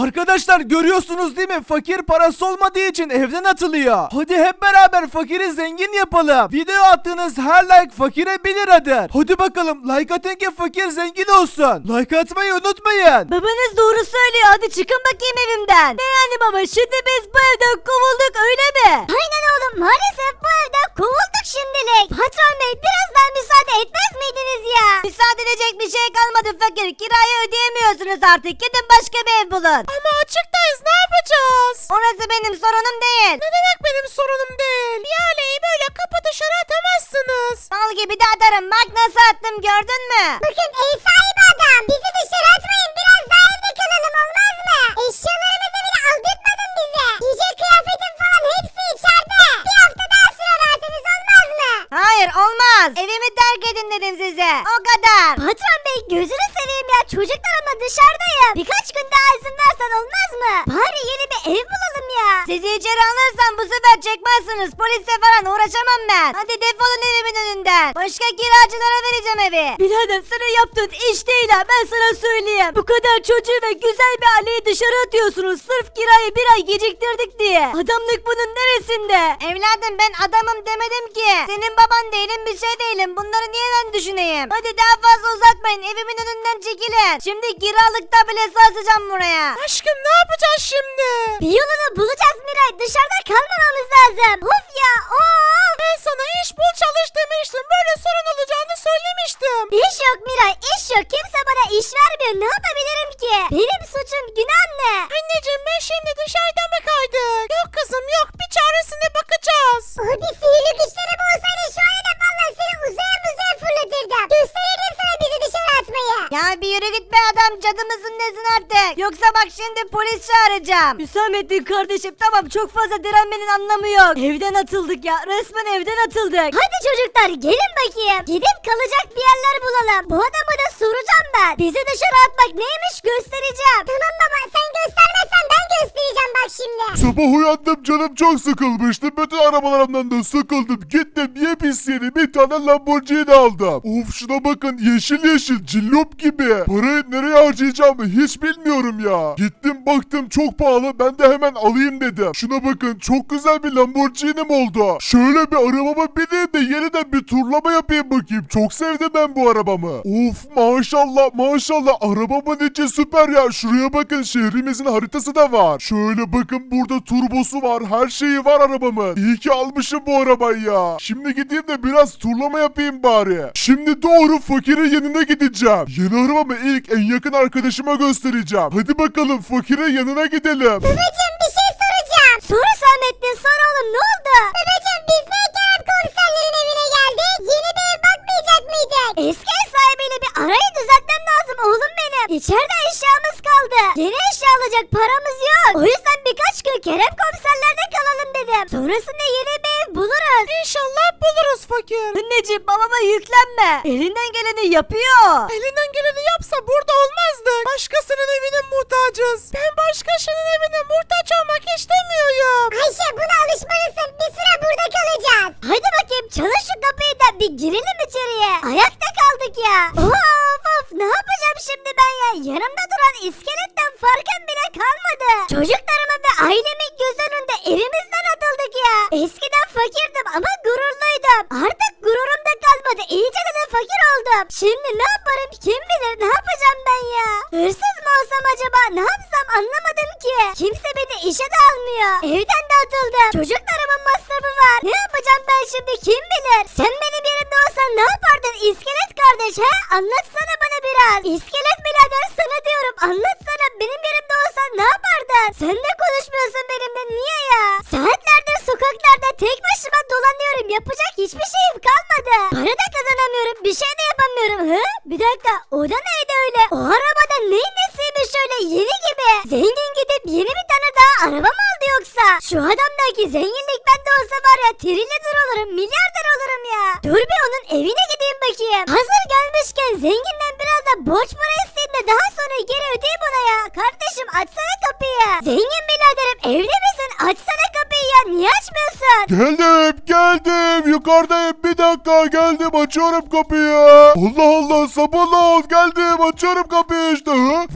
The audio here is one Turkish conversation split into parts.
Arkadaşlar görüyorsunuz değil mi? Fakir parası olmadığı için evden atılıyor. Hadi hep beraber fakiri zengin yapalım. Video attığınız her like fakire 1 liradır. Hadi bakalım like atın ki fakir zengin olsun. Like atmayı unutmayın. Babanız doğru söylüyor. Hadi çıkın bakayım evimden. Ne yani baba? Şimdi biz bu evden kovulduk öyle mi? Aynen oğlum. Maalesef bu evden kovulduk şimdilik. Patron bey biraz daha müsaade etmez miydiniz ya? Müsaade edecek bir şey kalmadı fakir. Kirayı ödeyemiyorsunuz artık. Gidin başka bir ev bulun. Ama açıktayız. Ne yapacağız? Orası benim sorunum değil. Ne demek benim sorunum değil? Bir aileyi böyle kapı dışarı atamazsınız. Mal gibi de atarım. Bak nasıl attım gördün mü? Bakın ev sahibi adam. Bizi dışarı atmayın. Biraz daha evde kalalım olmaz mı? Eşyalarımızı bile aldırtmadın bize. Giyecek kıyafetin falan hepsi içeride. Bir hafta daha süre verseniz olmaz mı? Hayır olmaz. Evimi terk edin dedim size. O kadar. Patron bey gözünü seveyim ya. Çocuklarımla dışarıdayım. Birkaç gün daha izin versen olmaz mı? Bari yeni bir ev bulalım ya. Sizi içeri alırsam bu sefer çekmezsiniz. Polisle falan uğraşamam ben. Hadi defolun evimin önünden. Başka kiracılara vereceğim evi. Birader senin yaptığın iş değil ha. Ben sana söyleyeyim. Bu kadar çocuğu ve güzel bir aileyi dışarı atıyorsunuz. Sırf kirayı 1 ay geciktirdik diye. Adamlık bunun neresinde? Evladım ben adamım demedim ki. Senin baban değilim bir şey değilim. Bunları niye ben düşüneyim? Hadi daha fazla uzatmayın. Evimin önünden çekilin. Şimdi kiralıkta bile sarsacağım buraya. Aşkım ne yapacağız şimdi? Bir yolunu bulacağız Miray. Dışarıda kalmamamız lazım. Of ya of. Ben sana iş bul çalış demiştim. Böyle sorun olacağını söylemiştim. İş yok Miray iş yok. Kimse bana iş vermiyor. Ne yapabilirim ki? Benim suçum günah ne? Anneciğim ben şimdi dışarıda mı kaydık? Yok kızım yok. Bir çaresine bakacağız. Abi sihirli güçlerim olsaydı şu anda valla seni uzaya fırlatırdım. Gösterirdim sana bizi dışarı atmayı. Ya bir yürü git be adam cadımızın nesin artık. Yoksa bak şimdi polis çağıracağım. Hüsamettin kardeşim tamam çok fazla direnmenin anlamı yok. Evden atıldık ya resmen evden atıldık. Hadi çocuklar gelin bakayım. Gidip kalacak bir yerler bulalım. Bu adamı da soracağım ben. Bizi dışarı atmak neymiş göstereceğim. Tamam baba sen göstermezsen ben göstereceğim bak şimdi. Sabah uyandım canım çok sıkılmıştı. Bütün arabalarımdan da sıkıldım. Gittim yepyeni bir tane Lamborghini aldım. Of şuna bakın yeşil yeşil cillop gibi. Parayı nereye harcayacağımı hiç bilmiyorum ya. Gittim baktım çok pahalı ben de hemen alayım dedim. Şuna bakın çok güzel bir Lamborghini'm oldu. Şöyle bir arabama bineyim de yeniden bir turlama yapayım bakayım. Çok sevdim ben bu arabamı. Of maşallah maşallah arabamın içi süper ya. Şuraya bakın şehrimizin haritası da var. Şöyle bakın burada turbosu var her şeyi var arabamın. İyi ki almışım bu arabayı ya. Şimdi gideyim de biraz turlama yapayım bari. Şimdi doğru fakirin yanına gideceğim. Yeni arabamı ilk en yakın arkadaşıma göstereceğim. Hadi bakalım fakirin yanına gidelim. Babacım bir şey soracağım. Sor Hüsamettin sor oğlum ne oldu? Babacım biz ne Kerem komiserlerin evine geldik? Yeni bir ev bakmayacak mıydık? Eski ev sahibiyle bir arayı düzeltmem lazım oğlum benim. İçeride eşyamız kaldı. Yeni eşya alacak paramız yok. O yüzden birkaç gün Kerem komiserlerde kalalım dedim. Sonrasında yeni bir ev buluruz. İnşallah buluruz fakir. Anneciğim babama yüklenme. Elinden geleni yapıyor. Elinden geleni yapsa burada olmazdık. Başkasının evine muhtacız. Ben başkasının evine muhtaç olmak istemiyorum. Ayşe buna alışmalısın. Bir süre burada kalacağız. Haydi bakayım çalın şu kapıyı da bir girelim içeriye. Ayakta kaldık ya. Of of ne yapacağım şimdi ben ya? Yanımda duran iskeletten farkım bile kalmadı. Çocuklarımın ve ailemin göz önünde evimizden atıldık ya. Eskiden fakirdim ama gururluydum. Artık gururum da kalmadı. İyice de fakir oldum. Şimdi ne yaparım kim bilir ne yapacağım ben ya? Hırsız mı olsam acaba ne yapsam anlamadım ki. Kimse beni işe de almıyor. Evden de atıldım. Çocuklarımın masrafı var. Ne yapacağım ben şimdi kim bilir? Sen benim yerimde olsan ne yapardın iskelet kardeş he? Anlatsana bana biraz. İskelet birader sana diyorum. Anlatsana benim yerimde olsan ne yapardın? Sen de konuşmuyorsun benimle niye ya? Saatlerdir sokaklarda tek başıma dolanıyorum. Yapacak hiçbir şeyim kalmadı. Para da kazanamıyorum. Bir şey de yapamıyorum. Hı? Bir dakika o da neydi öyle? O arabada neyin nesiymiş öyle yeni gibi? Zengin gidip yeni bir tane daha araba mı aldı yoksa? Şu adamdaki zenginlik bende olsa var ya trilyoner olurum milyarder olurum ya. Dur bir onun evine gideyim bakayım. Hazır gelmişken zenginden biraz da borç para isteyeyim de daha sonra geri ödeyeyim ona ya. Kardeşim açsana kapıyı. Zengin biraderim evde misin? Açsana kapıyı ya niye açmıyorsun? Geldim yukarıdayım bir dakika geldim açıyorum kapıyı. Allah Allah sabırlı ol geldim açıyorum kapıyı işte. Hı?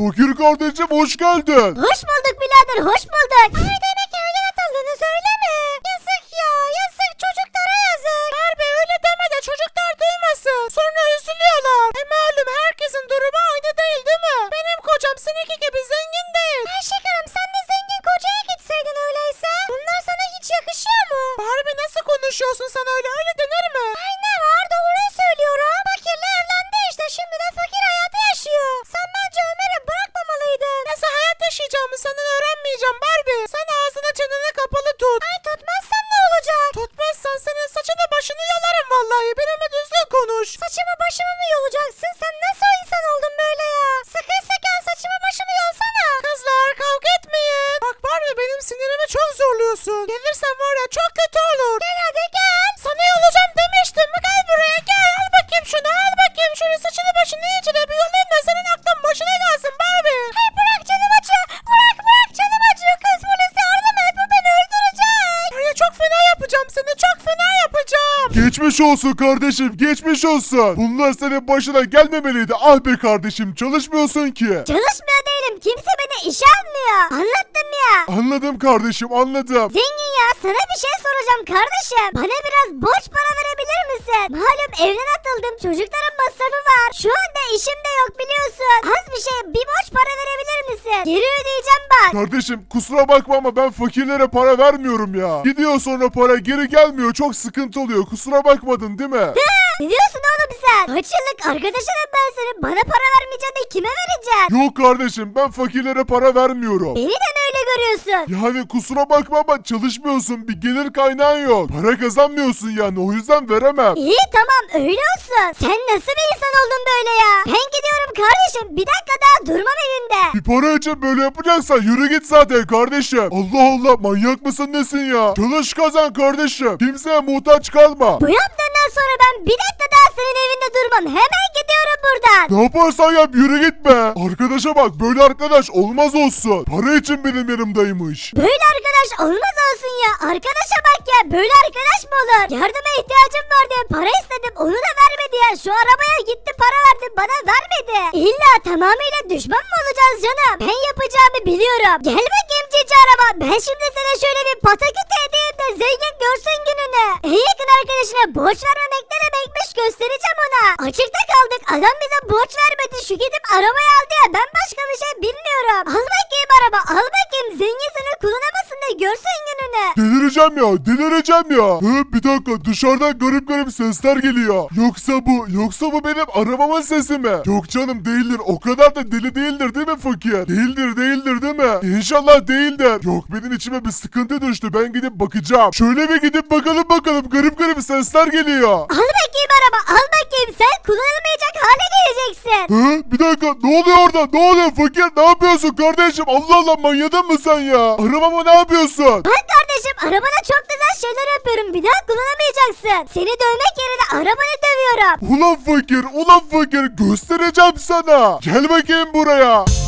Fakir kardeşim hoş geldin. Hoş bulduk birader, hoş bulduk. Ay demek evden atıldınız öyle mi? Yazık ya, yazık çocuklara yazık. Harbi öyle deme de çocuklar duymasın. Sonra üzülüyorlar. Malum herkesin durumu aynı değil mi? Benim kocam seninki gibi zengin değil. Ayşek Hanım sen de zengin kocaya gitseydin öyleyse. Bunlar sana hiç yakışıyor mu? Barbie nasıl konuşuyorsun sen öyle denir mi? Ay ne var, doğruyu söylüyorum. Fakirle evlendi işte, şimdi de fakir hayatı yaşıyor. Sen bence Ömer'i bırakmamalıydın. Nasıl hayat yaşayacağımı senden öğrenmeyeceğim Barbie. Sen ağzını çeneni kapalı tut. Ay tutmazsam ne olacak? Tutmazsan senin saçını başını yolarım vallahi. Benimle düzgün konuş. Saçımı başımı mı yolacaksın? Sen nasıl insan oldun böyle ya? Sakın sakın saçımı başımı yolsana. Kızlar kavga etmeyin. Bak Barbie benim sinirimi çok zorluyorsun. Gelirsen var ya çok kötü olur. Gel hadi gel. Sana yolacağım demiştim. Gel buraya gel. Al bakayım şunu, al bakayım şunu, saçını başını iyice bir yolayım da senin aklın başına gelsin Barbie. Hey bırak canım acıyor. Bırak canım acıyor. Kız polis yardım et, bu beni öldürecek. Ya çok fena yapacağım seni, çok fena yapacağım. Geçmiş olsun kardeşim geçmiş olsun. Bunlar senin başına gelmemeliydi. Ah be kardeşim çalışmıyorsun ki. Çalışmıyor değilim. Kimse beni işe almıyor. Anlattım ya. Anladım kardeşim anladım. Zengin ya, sana bir şey soracağım kardeşim. Bana biraz borç para verebilir misin? Malum evden atıldım, çocukların masrafı var. Şu anda işim de yok biliyorsun. Az bir şey, bir borç para verebilir misin? Geri ödeyeceğim bak. Kardeşim kusura bakma ama ben fakirlere para vermiyorum ya. Gidiyor sonra para geri gelmiyor çok sıkıntı oluyor kusura bakmadın değil mi? Ne diyorsun oğlum sen? Kaç yıllık arkadaşınım ben senin. Bana para vermeyeceksin de kime vereceksin? Yok kardeşim ben fakirlere para vermiyorum. Beni de mi öyle görüyorsun? Yani kusura bakma ama çalışmıyorsun bir gelir kaynağın yok. Para kazanmıyorsun yani o yüzden veremem. İyi tamam öyle olsun. Sen nasıl bir insan oldun böyle ya? Ben gidiyorum kardeşim. Bir dakika daha durmam evinde. Bir para için böyle yapacaksan yürü git zaten kardeşim. Allah Allah manyak mısın nesin ya? Çalış kazan kardeşim. Kimseye muhtaç kalma. Bu yaptığından sonra ben bir dakika daha senin evinde durmam. Hemen gidiyorum buradan. Ne yaparsan yap yürü gitme. Arkadaşa bak böyle arkadaş olmaz olsun. Para için benim yanımdaymış. Böyle arkadaş olmaz olsun ya. Arkadaşa bak ya. Böyle arkadaş mı olur? Yardıma ihtiyacım var diye para istedim. Onu da vermedi ya. Şu arabaya gitti para verdi. Bana vermedi. İlla tamamıyla düşman mı olacağız canım? Ben yapacağımı biliyorum. Gel bakayım cici araba. Ben şimdi sana şöyle bir pataküt edeyim de zengin görsün gününü. En yakın arkadaşına borç vermemek ne demekmiş göstereceğim ona. Açıkta kaldık. Adam bize borç vermedi. Şu gidip arabayı aldı ya. Ben başka bir şey bilmiyorum. Al bakayım araba. Al bakayım. Zengin seni kullanamasın da görsün gününü. Delireceğim ya delireceğim ya. Bir dakika dışarıdan garip garip sesler geliyor. Yoksa bu benim arabamın sesi mi? Yok canım değildir o kadar da deli değildir değil mi fakir? Değildir değil mi? İnşallah değildir. Yok benim içime bir sıkıntı düştü ben gidip bakacağım. Şöyle bir gidip bakalım garip garip sesler geliyor. Al bakayım araba. Al bakayım. Sen kullanılmayacak hale geleceksin. Bir dakika ne oluyor orada ne oluyor fakir ne yapıyorsun kardeşim Allah Allah manyadın mı sen ya? Arabama ne yapıyorsun? Bak kardeşim arabana çok güzel şeyler yapıyorum. Bir daha kullanamayacaksın. Seni dövmek yerine arabanı dövüyorum. Ulan fakir göstereceğim sana. Gel bakayım buraya.